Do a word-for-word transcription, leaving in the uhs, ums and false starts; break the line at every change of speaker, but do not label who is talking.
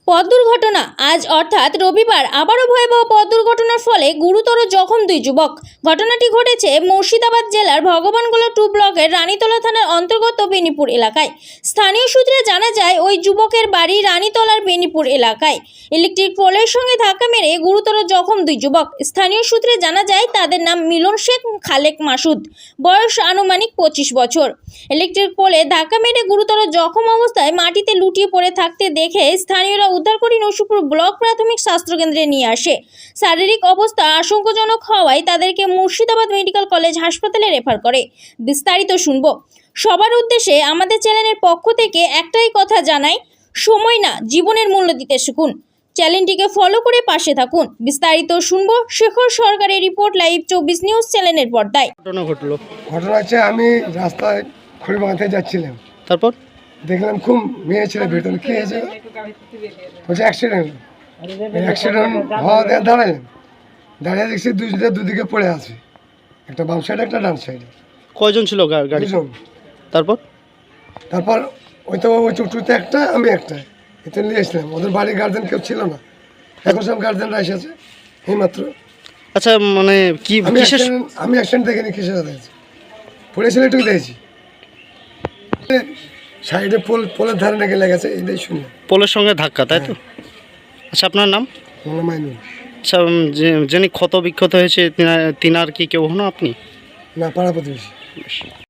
পথ দুর্ঘটনা আজ অর্থাৎ রবিবার আবারও ভয়াবহ পথ দুর্ঘটনার ফলে গুরুতর জখম দুই যুবক। ঘটনাটি ঘটেছে মুর্শিদাবাদ জেলার ভগবানগোলা টু ব্লকের রানীতলা থানার অন্তর্গত বেনিপুর এলাকায়। স্থানীয় সূত্রে জানা যায় ওই যুবকের বাড়ি রানীতলার বেনিপুর এলাকায়। ইলেকট্রিক পোলের সঙ্গে ধাক্কা মেরে গুরুতর জখম দুই যুবক। স্থানীয় সূত্রে জানা যায় তাদের নাম মিলন শেখ, খালেক মাসুদ, বয়স আনুমানিক পঁচিশ বছর। ইলেকট্রিক পোলে ধাক্কা মেরে গুরুতর জখম অবস্থায় মাটিতে লুটিয়ে পড়ে থাকতে দেখে স্থানীয়রা উদ্ধার করে নসিপুর ব্লক প্রাথমিক স্বাস্থ্যকেন্দ্রে নিয়ে আসে। শারীরিক অবস্থা আশঙ্কাজনক হওয়ায় তাদেরকে মুর্শিদাবাদ মেডিকেল কলেজ হাসপাতালে রেফার করে। বিস্তারিত শুনবো। সবার উদ্দেশ্যে আমাদের চ্যানেলের পক্ষ থেকে একটাই কথা জানাই, সময় না, জীবনের মূল্য দিতে শিখুন। চ্যানেলটিকে ফলো করে পাশে থাকুন। বিস্তারিত শুনবো শেখর সরকারের রিপোর্ট, লাইভ চব্বিশ নিউজ চ্যানেলের পর্দায়।
ঘটনা ঘটলো
ঘটনা হচ্ছে আমি রাস্তায় খড়িবাগাতে যাচ্ছিলাম,
তারপর
দেখলাম খুব মেয়ে ছেলে ভেতরে কি হয়েছে, বলছে অ্যাক্সিডেন্ট। অ্যাক্সিডেন্ট হওয়া দিয়ে দাঁড়ালাম, দাঁড়িয়ে দেখছি দুজনে দুদিকে পড়ে আছে, একটা বাম সাইডে একটা ডান সাইডে।
কয়জন ছিল গা- গাড়ি?
দুজন।
তারপর
তারপর ওই তো ওই চুটুতে একটা, আমি একটা, এতে নিয়ে এসলাম। ওদের বাড়ির গার্জেন কেউ ছিল না, এখন সব গার্জেনরা এসেছে এইমাত্র।
আচ্ছা, মানে কি
আমি
কিসের
accident- আমি অ্যাক্সিডেন্ট দেখিনি, কিসের দেখেছি, পড়েছিল এটুকু দেখেছি। সাইডে পোল, পোলের ধারে নাকি লেগেছে, এটাই শুনলাম।
পোলের সঙ্গে ধাক্কা, তাই তো? আচ্ছা, আপনার নাম?
মোলা মাইনুল।
আচ্ছা, উম, যে- যিনি ক্ষত বিক্ষত হয়েছে তিনার তিনার কি কেউ হন আপনি?
না, পাড়া প্রতিবেশী।
বেশ।